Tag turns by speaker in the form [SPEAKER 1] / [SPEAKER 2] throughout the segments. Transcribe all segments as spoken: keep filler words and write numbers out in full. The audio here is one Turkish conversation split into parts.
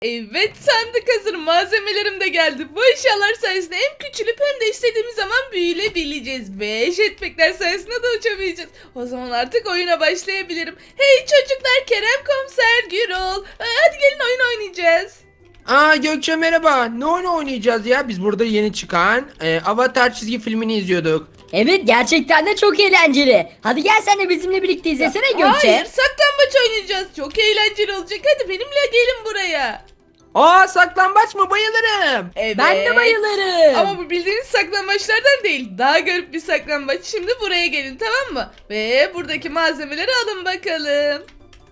[SPEAKER 1] Evet, sandık hazır, malzemelerim de geldi. Bu eşyalar sayesinde hem küçülüp hem de istediğimiz zaman büyülebileceğiz. Ve jetpackler sayesinde de uçabileceğiz. O zaman artık oyuna başlayabilirim. Hey çocuklar, Kerem Komiser, Gürol. Ee, Hadi gelin oyun oynayacağız.
[SPEAKER 2] Aa Gökçe merhaba. Ne oyun oynayacağız ya? Biz burada yeni çıkan e, Avatar çizgi filmini izliyorduk.
[SPEAKER 3] Evet, gerçekten de çok eğlenceli. Hadi gel sen de bizimle birlikte izlesene Gökçe.
[SPEAKER 1] Hayır, saklambaç oynayacağız. Çok eğlenceli olacak. Hadi benimle gelin buraya.
[SPEAKER 2] Aa saklambaç mı? Bayılırım.
[SPEAKER 1] Evet.
[SPEAKER 3] Ben de bayılırım.
[SPEAKER 1] Ama bu bildiğiniz saklambaçlardan değil. Daha garip bir saklambaç. Şimdi buraya gelin, tamam mı? Ve buradaki malzemeleri alın bakalım.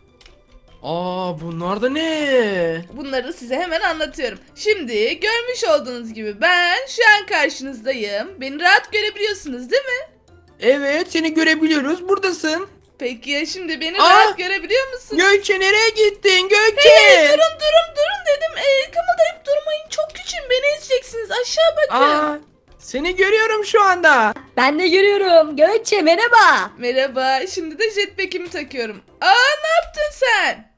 [SPEAKER 2] Aa bunlar da ne?
[SPEAKER 1] Bunları size hemen anlatıyorum. Şimdi görmüş olduğunuz gibi ben şu an karşınızdayım. Beni rahat görebiliyorsunuz değil mi?
[SPEAKER 2] Evet seni görebiliyoruz. Buradasın.
[SPEAKER 1] Peki ya şimdi beni
[SPEAKER 2] Aa!
[SPEAKER 1] rahat görebiliyor musunuz?
[SPEAKER 2] Gökçe nereye gittin Gökçe?
[SPEAKER 1] Hey, durun durun durun dedim. Ee, kımıldayıp durmayın. Çok küçüğüm. Beni ezeceksiniz. Aşağı bakın.
[SPEAKER 2] Aa seni görüyorum şu anda.
[SPEAKER 3] Ben de görüyorum. Gökçe merhaba.
[SPEAKER 1] Merhaba. Şimdi de jetpack'imi takıyorum. Aa, ne yaptın sen?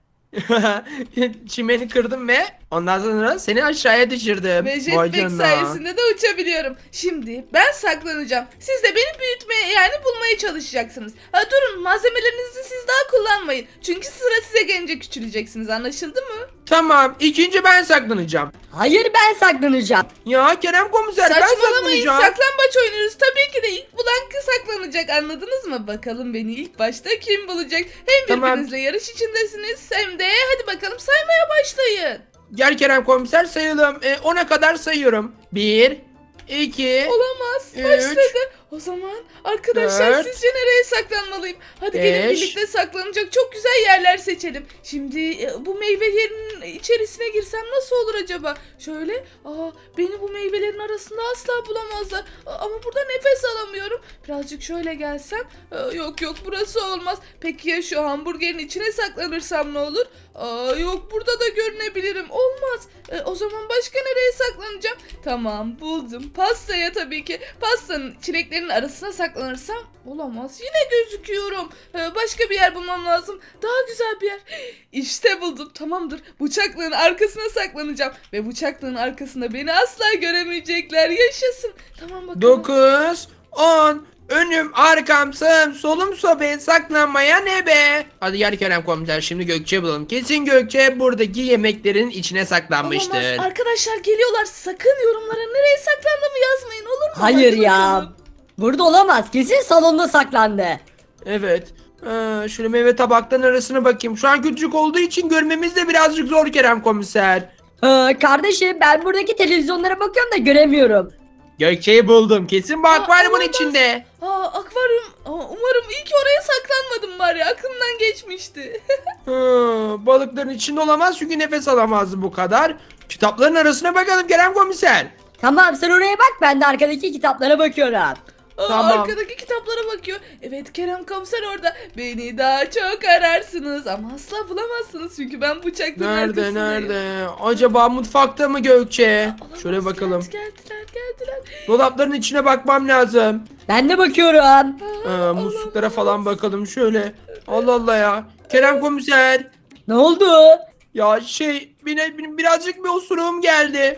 [SPEAKER 2] Çimeni kırdım ve ondan sonra seni aşağıya düşürdüm.
[SPEAKER 1] Ve
[SPEAKER 2] Vay
[SPEAKER 1] jetpack
[SPEAKER 2] canına.
[SPEAKER 1] sayesinde de uçabiliyorum. Şimdi ben saklanacağım. Siz de beni büyütmeye, yani bulmaya çalışacaksınız. Ha, durun, malzemelerinizi siz daha kullanmayın. Çünkü sıra size gelince küçüleceksiniz, anlaşıldı mı?
[SPEAKER 2] Tamam ikinci ben saklanacağım.
[SPEAKER 3] Hayır, ben saklanacağım.
[SPEAKER 2] Ya Kerem komiser ben
[SPEAKER 1] Saçmalamayın,
[SPEAKER 2] saklanacağım.
[SPEAKER 1] saklambaç oynuyoruz. Tabii ki de ilk bulan kız saklanacak, anladınız mı? Bakalım beni ilk başta kim bulacak? Hem
[SPEAKER 2] Tamam.
[SPEAKER 1] birbirinizle yarış içindesiniz hem de hadi bakalım saymaya başlayın.
[SPEAKER 2] Gel Kerem komiser sayalım. E, ona kadar sayıyorum. Bir, iki,
[SPEAKER 1] Olamaz.
[SPEAKER 2] Üç,
[SPEAKER 1] Başladı. O zaman arkadaşlar
[SPEAKER 2] dört,
[SPEAKER 1] sizce nereye saklanmalıyım? Hadi gelin
[SPEAKER 2] beş.
[SPEAKER 1] birlikte saklanacak çok güzel yerler seçelim. Şimdi e, bu meyvelerin içerisine girsem nasıl olur acaba? Şöyle, aa, beni bu meyvelerin arasında asla bulamazlar. Aa, ama burada nefes alamıyorum. Birazcık şöyle gelsem. Aa, yok yok, burası olmaz. Peki ya şu hamburgerin içine saklanırsam ne olur? Aa, yok, burada da görünebilirim. Olmaz. E, o zaman başka nereye saklanacağım? Tamam, buldum. Pastaya tabii ki. Pastanın çileklerin arasına saklanırsam olamaz. Yine gözüküyorum. E, başka bir yer bulmam lazım. Daha güzel bir yer. İşte buldum. Tamamdır. Bıçaklığın arkasına saklanacağım. Ve bıçaklığın arkasında beni asla göremeyecekler. Yaşasın. Tamam bakalım.
[SPEAKER 2] dokuz, on. Önüm, arkam, sağım, solum, sobe, saklanmaya ne be? Hadi gel Kerem komiser şimdi Gökçe bulalım. Kesin Gökçe buradaki yemeklerin içine saklanmıştır.
[SPEAKER 1] Olamaz. Arkadaşlar geliyorlar. Sakın yorumlara nereye saklandığımı yazmayın, olur mu?
[SPEAKER 3] Hayır
[SPEAKER 1] Hadi
[SPEAKER 3] ya.
[SPEAKER 1] bakalım.
[SPEAKER 3] Burada olamaz. Kesin salonda saklandı.
[SPEAKER 2] Evet. Ee, şöyle meyve tabakların arasına bakayım. Şu an küçük olduğu için görmemiz de birazcık zor Kerem komiser.
[SPEAKER 3] Ee, kardeşim, ben buradaki televizyonlara bakıyorum da göremiyorum.
[SPEAKER 2] Gökçe'yi buldum. Kesin bu
[SPEAKER 1] Aa,
[SPEAKER 2] akvaryumun
[SPEAKER 1] olamaz.
[SPEAKER 2] içinde.
[SPEAKER 1] Aa, akvaryum. Aa, umarım iyi ki oraya saklanmadım var ya. Aklımdan geçmişti.
[SPEAKER 2] Hı, balıkların içinde olamaz çünkü nefes alamazdı bu kadar. Kitapların arasına bakalım Kerem komiser.
[SPEAKER 3] Tamam, sen oraya bak, ben de arkadaki kitaplara bakıyorum.
[SPEAKER 1] Aa,
[SPEAKER 2] Tamam.
[SPEAKER 1] arkadaki kitaplara bakıyor. Evet, Kerem Komiser orada. Beni daha çok ararsınız ama asla bulamazsınız çünkü ben bıçaklığın
[SPEAKER 2] Nerede
[SPEAKER 1] arkasındayım.
[SPEAKER 2] nerede? Acaba mutfakta mı Gökçe?
[SPEAKER 1] Olamaz,
[SPEAKER 2] Şöyle bakalım.
[SPEAKER 1] Geldi, geldiler geldiler.
[SPEAKER 2] Dolapların içine bakmam lazım.
[SPEAKER 3] Ben de bakıyorum.
[SPEAKER 1] Aa,
[SPEAKER 2] Ee, musluklara
[SPEAKER 1] olamaz.
[SPEAKER 2] falan bakalım şöyle. Allah Allah ya. Kerem komiser.
[SPEAKER 3] Ne oldu?
[SPEAKER 2] Ya şey bine, bine- birazcık bir osuruğum geldi.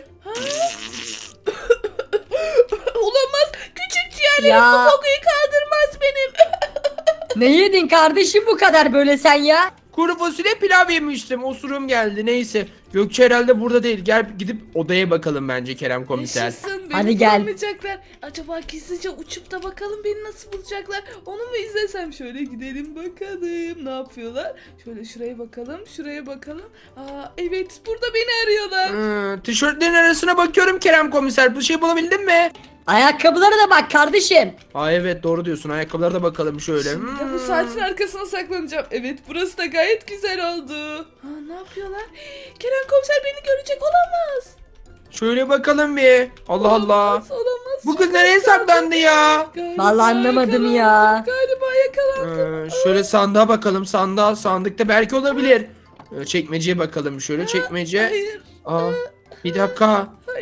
[SPEAKER 1] Olamaz. Küçük ciğerlerim
[SPEAKER 3] Ya.
[SPEAKER 1] bu kokuyu kaldırmaz benim.
[SPEAKER 3] Ne yedin kardeşim bu kadar böyle sen ya?
[SPEAKER 2] Kuru fasulye pilav yemiştim. Osuruğum geldi. Neyse. Gökçe herhalde burada değil. Gel gidip odaya bakalım bence Kerem komiser.
[SPEAKER 1] Yaşasın, beni
[SPEAKER 3] Hadi gel.
[SPEAKER 1] bulamayacaklar. Acaba gizlice uçup da bakalım beni nasıl bulacaklar. Onu mu izlesem? Şöyle gidelim bakalım. Ne yapıyorlar? Şöyle şuraya bakalım. Şuraya bakalım. Aa, evet, burada beni arıyorlar.
[SPEAKER 2] Hmm, tişörtlerin arasına bakıyorum Kerem komiser. Bir şey bulabildin mi?
[SPEAKER 3] Ayakkabılara da bak kardeşim.
[SPEAKER 2] Aa evet doğru diyorsun. Ayakkabılara da bakalım şöyle.
[SPEAKER 1] Şimdi de bu
[SPEAKER 2] Hmm.
[SPEAKER 1] saatin arkasına saklanacağım. Evet, burası da gayet güzel oldu. Ha, ne yapıyorlar? Kerem Komiser beni görecek, olamaz.
[SPEAKER 2] Şöyle bakalım bir. Allah Allah.
[SPEAKER 1] Olamaz, olamaz.
[SPEAKER 2] Bu kız
[SPEAKER 1] Çok
[SPEAKER 2] nereye
[SPEAKER 1] az kaldı.
[SPEAKER 2] saklandı ya?
[SPEAKER 1] Galiba
[SPEAKER 3] Vallahi anlamadım ya.
[SPEAKER 1] yakalandım, Galiba yakalandım.
[SPEAKER 2] Ee, şöyle sandığa bakalım. Sandığa, sandıkta belki olabilir. Ee, çekmeceye bakalım şöyle. Çekmece.
[SPEAKER 1] Hayır,
[SPEAKER 2] Aa, bir dakika.
[SPEAKER 1] hayır.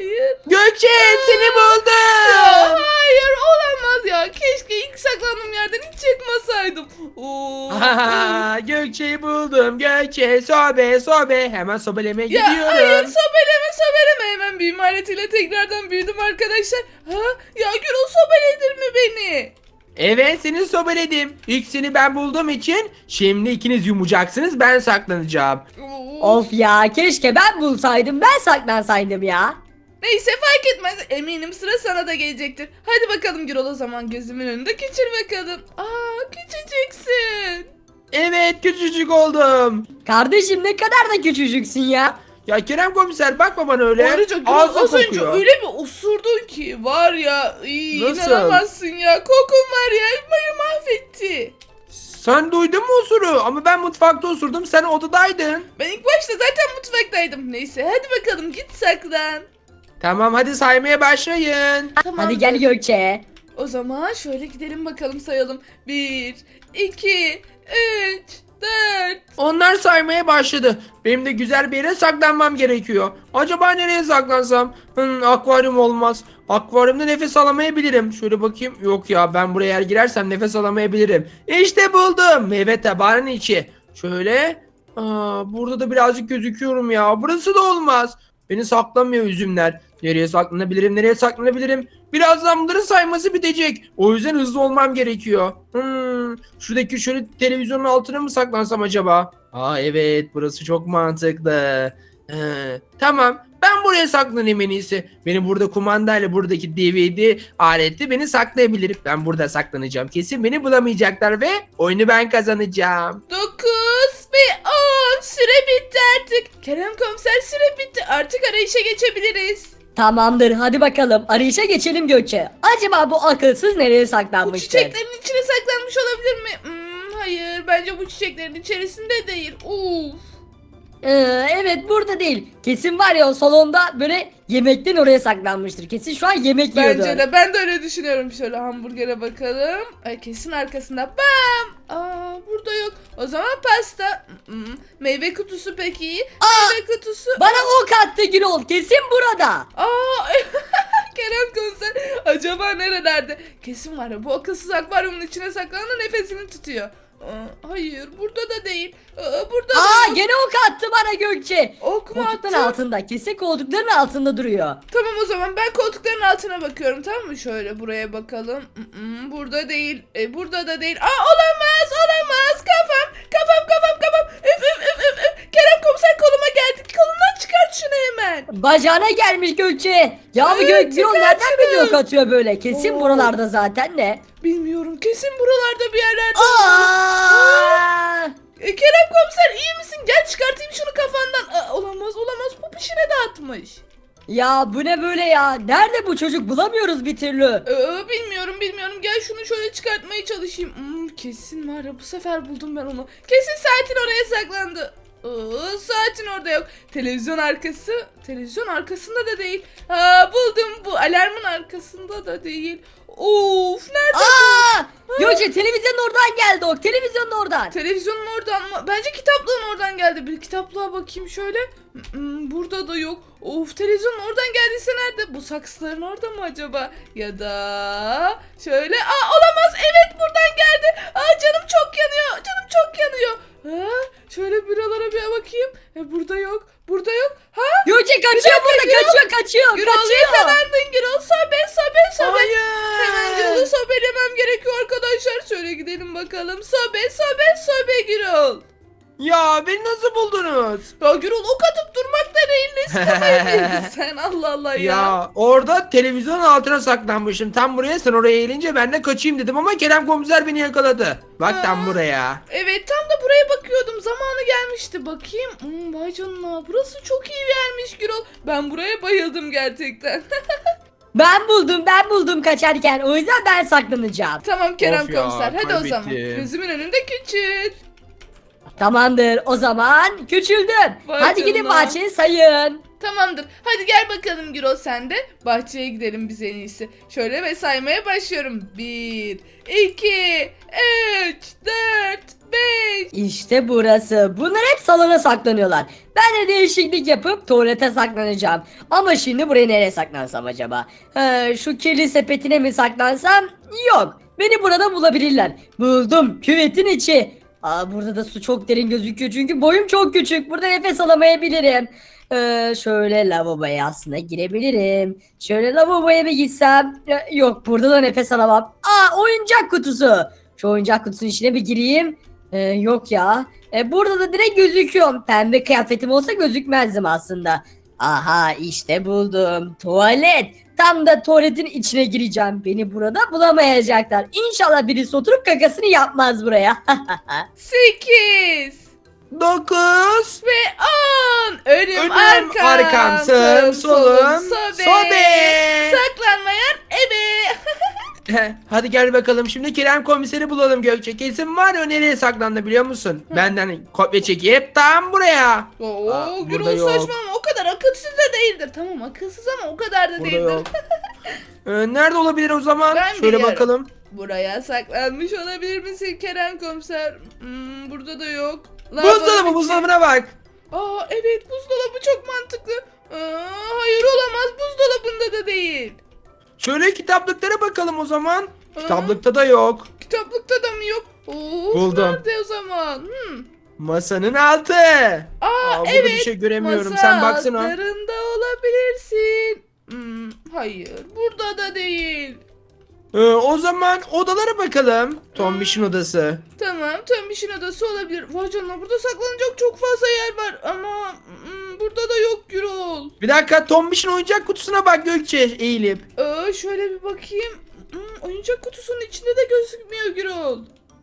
[SPEAKER 2] Gökçe seni
[SPEAKER 1] Ya
[SPEAKER 2] buldum.
[SPEAKER 1] hayır olamaz ya. Keşke ilk saklandığım yerden hiç çıkmasaydım. Oo.
[SPEAKER 2] Aha, Gökçe'yi buldum. Gökçe sobe sobe. Hemen sobelemeye
[SPEAKER 1] Ya hayır
[SPEAKER 2] gidiyorum.
[SPEAKER 1] sobeleme sobeleme hemen büyüme aletiyle tekrardan büyüdüm arkadaşlar. Ha? Ya Gürol sobeledir mi beni?
[SPEAKER 2] Evet seni sobeledim. İlk seni ben bulduğum için şimdi ikiniz yumacaksınız, ben saklanacağım.
[SPEAKER 1] Oo.
[SPEAKER 3] Of ya, keşke ben bulsaydım, ben saklansaydım ya.
[SPEAKER 1] Neyse fark etmez. Eminim sıra sana da gelecektir. Hadi bakalım Gürol o zaman gözümün önünde küçül bakalım. Aa küçücüksün.
[SPEAKER 2] Evet küçücük oldum.
[SPEAKER 3] Kardeşim ne kadar da küçücüksün ya.
[SPEAKER 2] Ya Kerem komiser bakma bana öyle.
[SPEAKER 1] Ayrıca Gürol
[SPEAKER 2] Ağzı
[SPEAKER 1] az önce
[SPEAKER 2] kokuyor.
[SPEAKER 1] öyle bir osurdun ki var ya iyi,
[SPEAKER 2] Nasıl?
[SPEAKER 1] inanamazsın ya. Kokun var ya mayı mahvetti.
[SPEAKER 2] Sen duydun mu osuru? Ama ben mutfakta osurdum, sen odadaydın.
[SPEAKER 1] Ben ilk başta zaten mutfaktaydım. Neyse hadi bakalım git saklan.
[SPEAKER 2] Tamam hadi saymaya başlayın.
[SPEAKER 1] Tamam.
[SPEAKER 3] Hadi gel Gökçe.
[SPEAKER 1] O zaman şöyle gidelim bakalım sayalım. Bir, iki, üç, dört.
[SPEAKER 2] Onlar saymaya başladı. Benim de güzel bir yere saklanmam gerekiyor. Acaba nereye saklansam? Hmm, akvaryum olmaz. Akvaryumda nefes alamayabilirim. Şöyle bakayım. Yok ya, ben buraya eğer girersem nefes alamayabilirim. İşte buldum. Meyve tabağının içi. Şöyle. Aa, burada da birazcık gözüküyorum ya. Burası da olmaz. Beni saklamıyor üzümler. Nereye saklanabilirim? Nereye saklanabilirim? Birazdan bunların sayması bitecek. O yüzden hızlı olmam gerekiyor. Hmm, şuradaki şöyle televizyonun altına mı saklansam acaba? Aa evet, burası çok mantıklı. Ee, tamam, ben buraya saklanayım en iyisi. Beni burada kumandayla buradaki D V D aleti beni saklayabilir. Ben burada saklanacağım. Kesin beni bulamayacaklar ve oyunu ben kazanacağım.
[SPEAKER 1] Dokuz ve on. Süre bitti artık. Kerem komiser süre bitti. Artık arayışa geçebiliriz.
[SPEAKER 3] Tamamdır, hadi bakalım arayışa geçelim Gökçe. Acaba bu akılsız nereye
[SPEAKER 1] Bu
[SPEAKER 3] saklanmıştır?
[SPEAKER 1] çiçeklerin içine saklanmış olabilir mi? Hmm, hayır bence bu çiçeklerin içerisinde değil. Uf.
[SPEAKER 3] Ee, evet, burada değil. Kesin var ya, o salonda böyle yemekten oraya saklanmıştır. Kesin şu an yemek yiyordur.
[SPEAKER 1] Bence de ben de öyle düşünüyorum. Şöyle hamburgere bakalım. Ay, kesin arkasında. Bam! Aa, burada yok. O zaman pasta. Hmm, meyve kutusu peki.
[SPEAKER 3] Aa!
[SPEAKER 1] Meyve kutusu.
[SPEAKER 3] Bana ok attı Gürol, kesin burada.
[SPEAKER 1] Aa! Kerem komiser acaba nerelerde? Kesin var ya bu akılsız akvaryumun içine saklandı nefesini tutuyor. Aa, hayır burada da değil. Aa, burada da
[SPEAKER 3] Aa,
[SPEAKER 1] yok.
[SPEAKER 3] gene ok attı bana Gökçe.
[SPEAKER 1] Ok mu
[SPEAKER 3] Koltukların
[SPEAKER 1] attı?
[SPEAKER 3] altında, kesin koltukların altında duruyor.
[SPEAKER 1] Tamam o zaman ben koltukların altına bakıyorum, tamam mı? Şöyle buraya bakalım. Mm-mm, burada değil. E, burada da değil. Aa olamaz olamaz. Kafam kafam kafam kafam. Üf üf üf üf. üf. Kerem komiser koluma geldi. Kolundan çıkart şunu hemen.
[SPEAKER 3] Bacağına gelmiş Gökçe. Ya bu
[SPEAKER 1] Evet,
[SPEAKER 3] Gök Gürol
[SPEAKER 1] çıkar
[SPEAKER 3] nereden
[SPEAKER 1] şunu.
[SPEAKER 3] bir ok atıyor böyle? Kesin
[SPEAKER 1] Oo.
[SPEAKER 3] buralarda zaten de.
[SPEAKER 1] Bilmiyorum, kesin buralarda bir yerlerde.
[SPEAKER 3] Aa!
[SPEAKER 1] E, Kerem komiser iyi misin? Gel çıkartayım şunu kafandan. Aa, olamaz olamaz. Popişine dağıtmış.
[SPEAKER 3] Ya bu ne böyle ya? Nerede bu çocuk? Bulamıyoruz bir türlü.
[SPEAKER 1] Ee, bilmiyorum bilmiyorum. Gel şunu şöyle çıkartmaya çalışayım. Hmm, kesin var ya bu sefer buldum ben onu. Kesin saatin oraya saklandı. Aa, saatin orada yok. Televizyon arkası. Televizyon arkasında da değil. Aa, buldum, bu alarmın arkasında da değil. Of nerede?
[SPEAKER 3] Aa! Gökçe televizyonun oradan geldi o. Televizyonun oradan.
[SPEAKER 1] Televizyonun oradan mı? Bence kitaplığın oradan geldi. Bir kitaplığa bakayım şöyle. Hmm, burada da yok. Of, televizyonun oradan geldiyse nerede? Bu saksıların orada mı acaba? Ya da şöyle. Aa olamaz. Evet buradan geldi. Aa canım çok yanıyor. Canım çok yanıyor. Ha, şöyle buralara bir bakayım. E, burada yok. Burada yok. Ha?
[SPEAKER 3] Gökçe kaçıyor
[SPEAKER 1] dakika,
[SPEAKER 3] burada.
[SPEAKER 1] Gürol.
[SPEAKER 3] Kaçıyor kaçıyor.
[SPEAKER 1] Gürol
[SPEAKER 3] kaçıyor.
[SPEAKER 1] yakalandın Gürol. Sobe sobe sobe.
[SPEAKER 2] Hayır.
[SPEAKER 1] Hemen Gürol'u sobelemem gerekiyor arkadaşlar. Şöyle gidelim bakalım. Sobe sobe sobe Gürol.
[SPEAKER 2] Ya beni nasıl buldunuz?
[SPEAKER 1] Ya Gürol ok atıp durmak da değil. Nesi kafayı mı yedin sen? Allah Allah ya.
[SPEAKER 2] Ya orada televizyonun altına saklanmışım. Tam buraya, sen oraya eğilince ben de kaçayım dedim ama Kerem komiser beni yakaladı. Bak
[SPEAKER 1] Aa.
[SPEAKER 2] tam buraya.
[SPEAKER 1] Evet tam da buraya bakıyordum. Zamanı gelmişti. Bakayım. Hmm, vay canına. Burası çok iyi bir yermiş Gürol. Ben buraya bayıldım gerçekten.
[SPEAKER 3] Ben buldum ben buldum kaçarken. O yüzden ben saklanacağım.
[SPEAKER 1] Tamam Kerem
[SPEAKER 2] Of ya,
[SPEAKER 1] komiser. Hadi o zaman.
[SPEAKER 2] kaybettim.
[SPEAKER 1] Gözümün önünde küçül.
[SPEAKER 3] Tamamdır, o zaman küçüldüm.
[SPEAKER 1] Vay
[SPEAKER 3] Hadi gidin
[SPEAKER 1] canına.
[SPEAKER 3] bahçeye sayın.
[SPEAKER 1] Tamamdır. Hadi gel bakalım Gürol sen de. Bahçeye gidelim biz en iyisi. Şöyle ve saymaya başlıyorum. Bir, iki, üç, dört, beş.
[SPEAKER 3] İşte burası. Bunlar hep salona saklanıyorlar. Ben de değişiklik yapıp tuvalete saklanacağım. Ama şimdi buraya nereye saklansam acaba? Ee, şu kirli sepetine mi saklansam? Yok. Beni burada bulabilirler. Buldum. Küvetin içi. Aa, burada da su çok derin gözüküyor çünkü boyum çok küçük. Burada nefes alamayabilirim. Ee, şöyle lavaboya aslında girebilirim. Şöyle lavaboya bir gitsem. Ee, Yok, burada da nefes alamam. Aa, oyuncak kutusu. Şu oyuncak kutusunun içine bir gireyim. Ee, yok ya. Ee, burada da direkt gözüküyorum. Pembe kıyafetim olsa gözükmezdim aslında. Aha, işte buldum. Tuvalet. Tam da tuvaletin içine gireceğim. Beni burada bulamayacaklar. İnşallah birisi oturup kakasını yapmaz buraya.
[SPEAKER 1] Sekiz.
[SPEAKER 2] dokuz.
[SPEAKER 1] Ve on. Önüm,
[SPEAKER 2] Önüm,
[SPEAKER 1] arkam,
[SPEAKER 2] arkam, sağım, solum,
[SPEAKER 1] sobe.
[SPEAKER 2] sobe.
[SPEAKER 1] Saklanmayan ebe.
[SPEAKER 2] Hadi gel bakalım şimdi Kerem komiseri bulalım Gökçe. Kesin var ya nereye saklandı biliyor musun? Benden kopya çekip tam buraya.
[SPEAKER 1] Oo,
[SPEAKER 2] Aa, burada
[SPEAKER 1] Gürol
[SPEAKER 2] yok.
[SPEAKER 1] saçmalama, o kadar akılsız da değildir. Tamam, akılsız ama o kadar da
[SPEAKER 2] Burada
[SPEAKER 1] değildir.
[SPEAKER 2] yok. Ee, nerede olabilir o zaman?
[SPEAKER 1] Ben
[SPEAKER 2] Şöyle
[SPEAKER 1] biliyorum.
[SPEAKER 2] bakalım.
[SPEAKER 1] Buraya saklanmış olabilir misin Kerem komiser? Hmm, burada da yok.
[SPEAKER 2] Buzdolabı
[SPEAKER 1] içi-
[SPEAKER 2] buzdolabına bak.
[SPEAKER 1] Aa evet, buzdolabı çok mantıklı. Aa, hayır olamaz, buzdolabında da değil.
[SPEAKER 2] Şöyle kitaplıklara bakalım o zaman.
[SPEAKER 1] Aa.
[SPEAKER 2] Kitaplıkta da yok.
[SPEAKER 1] Kitaplıkta da mı yok? Of,
[SPEAKER 2] Buldum.
[SPEAKER 1] nerede o zaman? Hmm.
[SPEAKER 2] Masanın altı.
[SPEAKER 1] Aa,
[SPEAKER 2] Aa, burada
[SPEAKER 1] evet.
[SPEAKER 2] bir şey göremiyorum.
[SPEAKER 1] Masa
[SPEAKER 2] Sen baksana.
[SPEAKER 1] altlarında olabilirsin. Hmm, hayır, burada da değil.
[SPEAKER 2] Ee, o zaman odalara bakalım. Tombiş'in odası.
[SPEAKER 1] Tamam, Tombiş'in odası olabilir. Vay canına, burada saklanacak çok fazla yer var ama hmm, burada da yok Gürol.
[SPEAKER 2] Bir dakika Tombiş'in oyuncak kutusuna bak Gökçe eğilip.
[SPEAKER 1] Ee, şöyle bir bakayım. Hmm, oyuncak kutusunun içinde de gözükmüyor Gürol.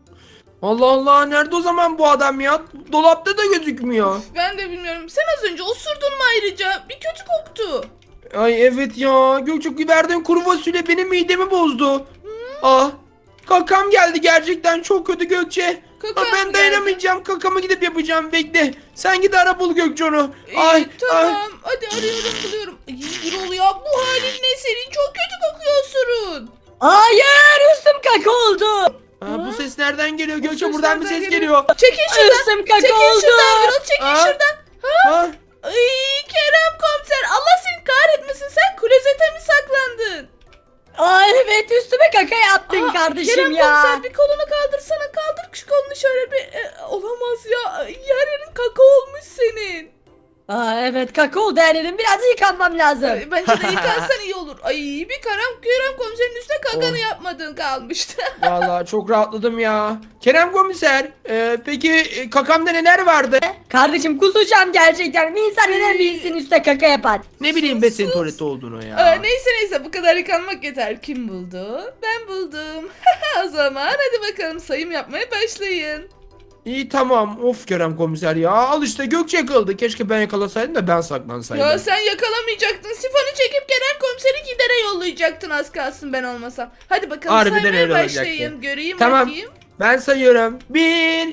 [SPEAKER 2] Allah Allah nerede o zaman bu adam ya? Dolapta da gözükmüyor.
[SPEAKER 1] Ben de bilmiyorum. Sen az önce osurdun mu ayrıca? Bir kötü koktu.
[SPEAKER 2] Ay evet ya. Gökçe verdiğin kuru fasulye benim midemi bozdu. Ah. Kakam geldi gerçekten çok kötü Gökçe.
[SPEAKER 1] Kakan
[SPEAKER 2] Ah, ben
[SPEAKER 1] geldi.
[SPEAKER 2] dayanamayacağım. Kakamı gidip yapacağım. Bekle. Sen git ara bul Gökçe onu.
[SPEAKER 1] İyi,
[SPEAKER 2] Ay, ay.
[SPEAKER 1] tamam. Hadi arıyorum, buluyorum. Ay, Gürol ya, bu halin ne senin? Çok kötü kokuyorsun.
[SPEAKER 3] Hayır, üstüm kaka oldu.
[SPEAKER 2] Aa, bu ses nereden geliyor Gökçe?
[SPEAKER 1] ses
[SPEAKER 2] Buradan bir
[SPEAKER 1] nereden
[SPEAKER 2] ses
[SPEAKER 1] geliyor?
[SPEAKER 2] geliyor.
[SPEAKER 1] Çekil şuradan.
[SPEAKER 3] Üstüm kaka
[SPEAKER 1] Çekil
[SPEAKER 3] oldu.
[SPEAKER 1] şuradan Gürol, çekil
[SPEAKER 2] Aa.
[SPEAKER 1] şuradan.
[SPEAKER 2] Ha?
[SPEAKER 1] Ay Kerem komiser, Allah seni kahretmesin, sen klozete mi saklandın?
[SPEAKER 3] Aa, evet, üstüme kaka yaptın
[SPEAKER 1] Aa,
[SPEAKER 3] kardeşim
[SPEAKER 1] Kerem
[SPEAKER 3] ya.
[SPEAKER 1] komiser, bir kolunu kaldırsana, kaldır şu kolunu şöyle bir. E, olamaz ya, yer yerin kaka olmuş senin.
[SPEAKER 3] Aa, evet, kaka oldu her yerim, biraz yıkanmam lazım.
[SPEAKER 1] Ay, bence de yıkansan iyi olur. Ay, bir Kerem, Kerem komiserin üstüne kakanı
[SPEAKER 2] Oh.
[SPEAKER 1] yapmadığın kalmıştı.
[SPEAKER 2] Vallahi çok rahatladım ya. Kerem komiser, e, peki e, kakamda neler vardı?
[SPEAKER 3] Kardeşim, kusacağım gerçekten. Bir insan neden bir insanın üstüne kaka yapar?
[SPEAKER 2] Ne bileyim ben senin
[SPEAKER 1] sus.
[SPEAKER 2] tuvalette olduğunu ya.
[SPEAKER 1] Aa, neyse neyse, bu kadar yıkanmak yeter. Kim buldu? Ben buldum. O zaman hadi bakalım, sayım yapmaya başlayın.
[SPEAKER 2] İyi tamam. Of Kerem komiser ya. Al işte Gökçe yakaladı. Keşke ben yakalasaydım da ben saklansaydım.
[SPEAKER 1] Ya sen yakalamayacaktın. Sifonu çekip Kerem komiseri gidere yollayacaktın, az kalsın ben olmasam. Hadi bakalım,
[SPEAKER 2] Harbiden
[SPEAKER 1] saymaya
[SPEAKER 2] öyle olacaktı.
[SPEAKER 1] başlayın. Göreyim
[SPEAKER 2] Tamam.
[SPEAKER 1] bakayım.
[SPEAKER 2] Ben sayıyorum. Bir,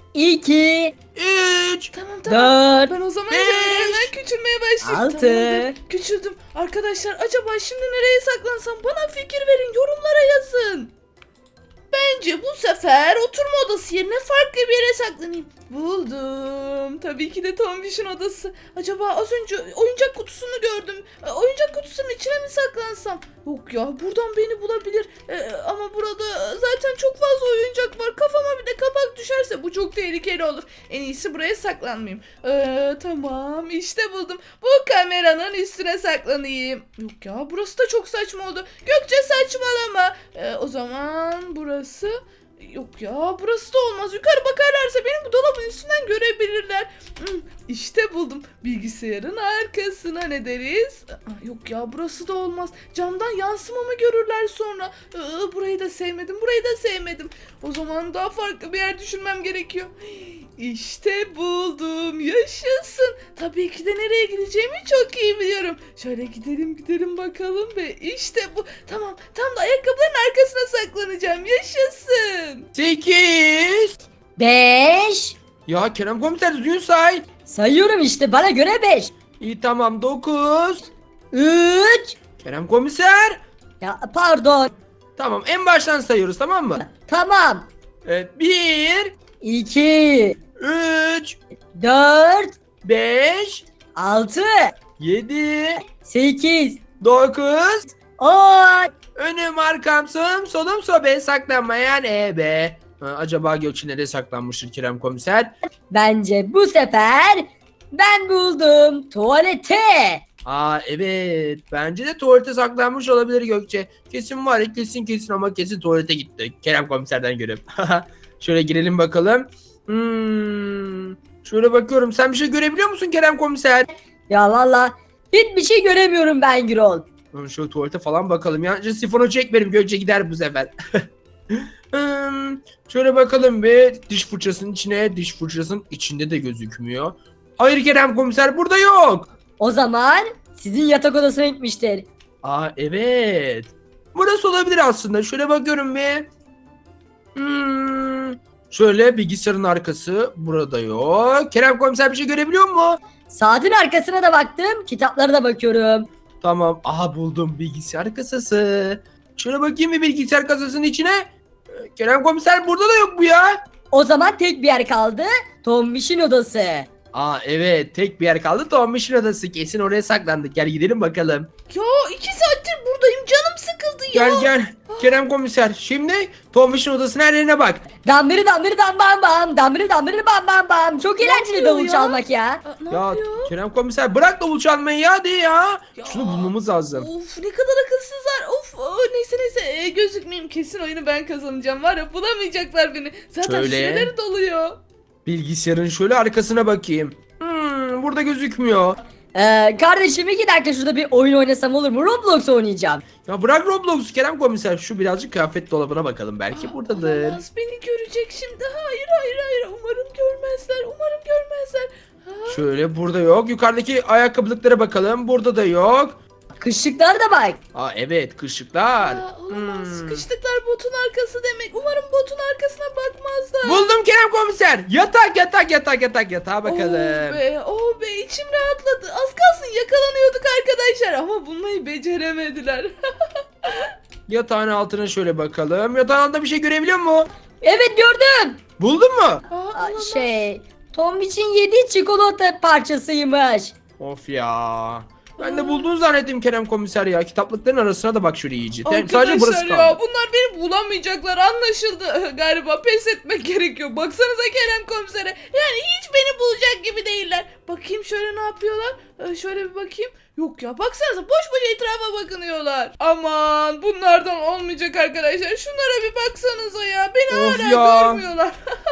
[SPEAKER 3] İki,
[SPEAKER 2] üç,
[SPEAKER 1] Tamam tamam.
[SPEAKER 3] dört,
[SPEAKER 1] Ben o zaman
[SPEAKER 2] Beş,
[SPEAKER 1] şöyle hemen küçülmeye başlayayım.
[SPEAKER 3] altı.
[SPEAKER 1] Tamamdır. Küçüldüm. Arkadaşlar, acaba şimdi nereye saklansam? Bana fikir verin. Yorumlara yazın. Bence bu sefer oturma odası yerine farklı bir yere saklanayım. Buldum. Tabii ki de Tombiş'in odası. Acaba az önce oyuncak kutusunu gördüm. E, Oyuncak kutusunun içine mi saklansam? Yok ya, buradan beni bulabilir. E, ama burada zaten çok fazla oyuncak var. Kafama bir de kapak düşerse bu çok tehlikeli olur. En iyisi buraya saklanmayayım. E, tamam, işte buldum. Bu kameranın üstüne saklanayım. Yok ya, burası da çok saçma oldu. Gökçe saçmalama. E, o zaman burası... Yok ya, burası da olmaz. Yukarı bakarlarsa beni bu dolabın üstünden görebilirler. Hmm, İşte buldum. Bilgisayarın arkasına ne deriz? Aa, yok ya, burası da olmaz. Camdan yansımamı görürler sonra. Aa, burayı da sevmedim. Burayı da sevmedim. O zaman daha farklı bir yer düşünmem gerekiyor. İşte buldum. Yaşasın. Tabii ki de nereye gideceğimi çok iyi biliyorum. Şöyle gidelim gidelim bakalım ve işte bu. Tamam, tam da ayakkabıların arkasına saklanacağım. Yaşasın.
[SPEAKER 2] sekiz.
[SPEAKER 3] beş.
[SPEAKER 2] Ya Kerem komiser düzgün say.
[SPEAKER 3] Sayıyorum işte, bana göre beş.
[SPEAKER 2] İyi tamam dokuz.
[SPEAKER 3] üç.
[SPEAKER 2] Kerem komiser.
[SPEAKER 3] Ya pardon.
[SPEAKER 2] Tamam en baştan sayıyoruz tamam mı?
[SPEAKER 3] Tamam.
[SPEAKER 2] Evet bir,
[SPEAKER 3] iki.
[SPEAKER 2] üç,
[SPEAKER 3] dört.
[SPEAKER 2] beş,
[SPEAKER 3] altı.
[SPEAKER 2] yedi,
[SPEAKER 3] sekiz.
[SPEAKER 2] dokuz.
[SPEAKER 3] on.
[SPEAKER 2] Önüm arkam sağım solum sobe saklanmayan ebe. Ha, acaba Gökçe nereye saklanmıştır Kerem komiser?
[SPEAKER 3] Bence bu sefer ben buldum tuvalete.
[SPEAKER 2] Aa evet bence de tuvalete saklanmış olabilir Gökçe. Kesin var ya kesin kesin ama kesin tuvalete gitti. Kerem komiserden görüp. Şöyle girelim bakalım. Hmm, şöyle bakıyorum sen bir şey görebiliyor musun Kerem komiser?
[SPEAKER 3] Ya valla hiçbir şey göremiyorum ben Gürol.
[SPEAKER 2] Hmm, Şöyle tuvalete falan bakalım ya. Şu sifonu çek benim Gökçe gider bu sefer. Hmm, şöyle bakalım bir diş fırçasının içine diş fırçasının içinde de gözükmüyor. Hayır Kerem komiser burada yok.
[SPEAKER 3] O zaman sizin yatak odasına gitmiştir.
[SPEAKER 2] Aa evet. Burası olabilir aslında. Şöyle bakıyorum bir. Hmm, şöyle bilgisayarın arkası burada yok. Kerem komiser bir şey görebiliyor mu?
[SPEAKER 3] Saatin arkasına da baktım, kitaplara da bakıyorum.
[SPEAKER 2] Tamam. Aha buldum bilgisayar kasası. Şöyle bakayım bir bilgisayar kasasının içine. Ee, Kerem komiser burada da yok bu ya.
[SPEAKER 3] O zaman tek bir yer kaldı. Tombiş'in odası.
[SPEAKER 2] Aa evet tek bir yer kaldı. Tombiş'in odası. Kesin oraya saklandık. Gel gidelim bakalım.
[SPEAKER 1] Ya iki saattir buradayım, canım sıkıldı ya.
[SPEAKER 2] Gel gel. Kerem komiser. Şimdi Tombiş'in odasının her yerine bak.
[SPEAKER 3] Dambiri dambiri dam bam bam. Dambiri dambiri bam bam bam. Çok eğlenceli
[SPEAKER 1] yapıyor
[SPEAKER 3] davul
[SPEAKER 1] ya?
[SPEAKER 3] çalmak ya.
[SPEAKER 1] Aa, ne
[SPEAKER 2] Ya
[SPEAKER 1] yapıyor?
[SPEAKER 2] Kerem komiser bırak davul çalmayı ya hadi ya.
[SPEAKER 1] Ya.
[SPEAKER 2] Şunu bulmamız lazım.
[SPEAKER 1] Of ne kadar akılsızlar. Of aa, neyse neyse ee, gözükmeyeyim, kesin oyunu ben kazanacağım. Var ya bulamayacaklar beni. Zaten
[SPEAKER 2] Şöyle.
[SPEAKER 1] süreleri doluyor.
[SPEAKER 2] Bilgisayarın şöyle arkasına bakayım. Hmm, burada gözükmüyor.
[SPEAKER 3] Ee, kardeşim iki dakika şurada bir oyun oynasam olur mu? Roblox oynayacağım.
[SPEAKER 2] Ya bırak Roblox'u Kerem komiser. Şu birazcık kıyafet dolabına bakalım. Belki buradadır.
[SPEAKER 1] Olamaz, beni görecek şimdi. Hayır hayır hayır, umarım görmezler. Umarım görmezler. Ha?
[SPEAKER 2] Şöyle burada yok. Yukarıdaki ayakkabılıklara bakalım. Burada da yok.
[SPEAKER 3] Kışlıklar da bak.
[SPEAKER 2] Aa evet kışlıklar.
[SPEAKER 1] Aa, olamaz.
[SPEAKER 2] Hmm.
[SPEAKER 1] Sıkıştıklar botun arkası demek. Umarım botun arkasına bakmazlar.
[SPEAKER 2] Buldum Kerem komiser. Yatak yatak yatak yatak yatağa bakalım.
[SPEAKER 1] Oh be, oh be, içim rahatladı. Az kalsın yakalanıyorduk arkadaşlar ama bulmayı beceremediler.
[SPEAKER 2] Yatağın altına şöyle bakalım. Yatağın altında bir şey görebiliyor mu?
[SPEAKER 3] Evet gördüm.
[SPEAKER 2] Buldun mu?
[SPEAKER 1] Aa,
[SPEAKER 3] Aa,
[SPEAKER 1] olamaz.
[SPEAKER 3] şey, Tombiş'in yediği çikolata parçasıymış.
[SPEAKER 2] Of ya. Ben de bulduğunu zannettim Kerem komiser ya. Kitaplıkların arasına da bak şöyle iyice. Yani sadece
[SPEAKER 1] Arkadaşlar
[SPEAKER 2] burası
[SPEAKER 1] ya,
[SPEAKER 2] kaldı.
[SPEAKER 1] bunlar beni bulamayacaklar, anlaşıldı. Galiba pes etmek gerekiyor. Baksanıza Kerem komisere. Yani hiç beni bulacak gibi değiller. Bakayım şöyle ne yapıyorlar. Ee, şöyle bir bakayım. Yok ya, baksanıza boş boş etrafa bakınıyorlar. Aman bunlardan olmayacak arkadaşlar. Şunlara bir baksanıza ya. Beni
[SPEAKER 2] Of
[SPEAKER 1] hala
[SPEAKER 2] ya.
[SPEAKER 1] görmüyorlar.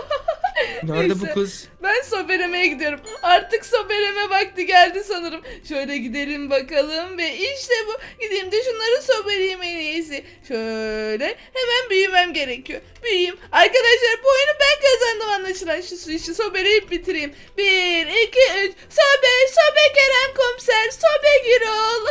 [SPEAKER 2] Nerede bu
[SPEAKER 1] Neyse.
[SPEAKER 2] kız?
[SPEAKER 1] Ben sobelemeye gidiyorum. Artık sobeleme vakti geldi sanırım. Şöyle gidelim bakalım ve işte bu. Gideyim de şunları sobeleyeyim en iyisi. Şöyle hemen büyümem gerekiyor. Büyüyeyim. Arkadaşlar bu oyunu ben kazandım anlaşılan. Şu su işi sobeleyip bitireyim. Bir, iki, üç. Sobe, sobe Kerem komiser, sobe Gürol.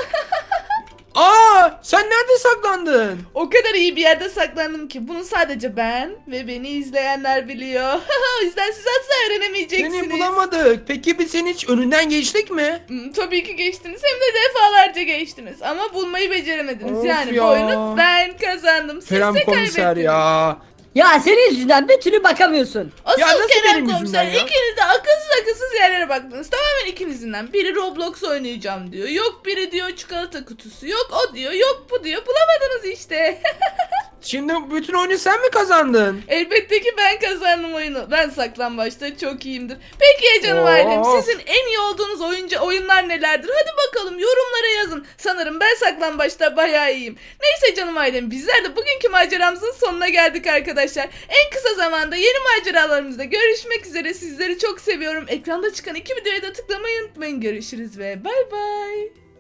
[SPEAKER 2] Aa, sen nerede saklandın?
[SPEAKER 1] O kadar iyi bir yerde saklandım ki bunu sadece ben ve beni izleyenler biliyor. O yüzden siz asla öğrenemeyeceksiniz.
[SPEAKER 2] Seni bulamadık. Peki biz senin hiç önünden geçtik mi?
[SPEAKER 1] Hmm, tabii ki geçtiniz, hem de defalarca geçtiniz ama bulmayı beceremediniz.
[SPEAKER 2] Of
[SPEAKER 1] yani
[SPEAKER 2] ya.
[SPEAKER 1] bu oyunu ben kazandım. Siz
[SPEAKER 2] Kerem
[SPEAKER 1] de
[SPEAKER 2] komiser
[SPEAKER 1] kaybettiniz.
[SPEAKER 2] ya.
[SPEAKER 3] Ya senin yüzünden bir türlü bakamıyorsun.
[SPEAKER 1] Asıl
[SPEAKER 2] Ya nasıl
[SPEAKER 1] Kerem
[SPEAKER 2] benim
[SPEAKER 1] komiser,
[SPEAKER 2] yüzümden ya?
[SPEAKER 1] ikiniz de akılsız akılsız yerlere baktınız. Tamamen ikinizden. Biri Roblox oynayacağım diyor. Yok biri diyor çikolata kutusu. Yok o diyor. Yok bu diyor. Bulamadınız işte.
[SPEAKER 2] Şimdi bütün oyunu sen mi kazandın?
[SPEAKER 1] Elbette ki ben kazandım oyunu. Ben saklambaçta çok iyiyimdir. Peki ya canım
[SPEAKER 2] Of.
[SPEAKER 1] ailem, sizin en iyi olduğunuz oyuncu oyunlar nelerdir? Hadi bakalım yorumlara yazın. Sanırım ben saklambaçta bayağı iyiyim. Neyse canım ailem, bizler de bugünkü maceramızın sonuna geldik arkadaşlar. En kısa zamanda yeni maceralarımızda görüşmek üzere. Sizleri çok seviyorum. Ekranda çıkan iki videoya da tıklamayı unutmayın. Görüşürüz ve bay bay.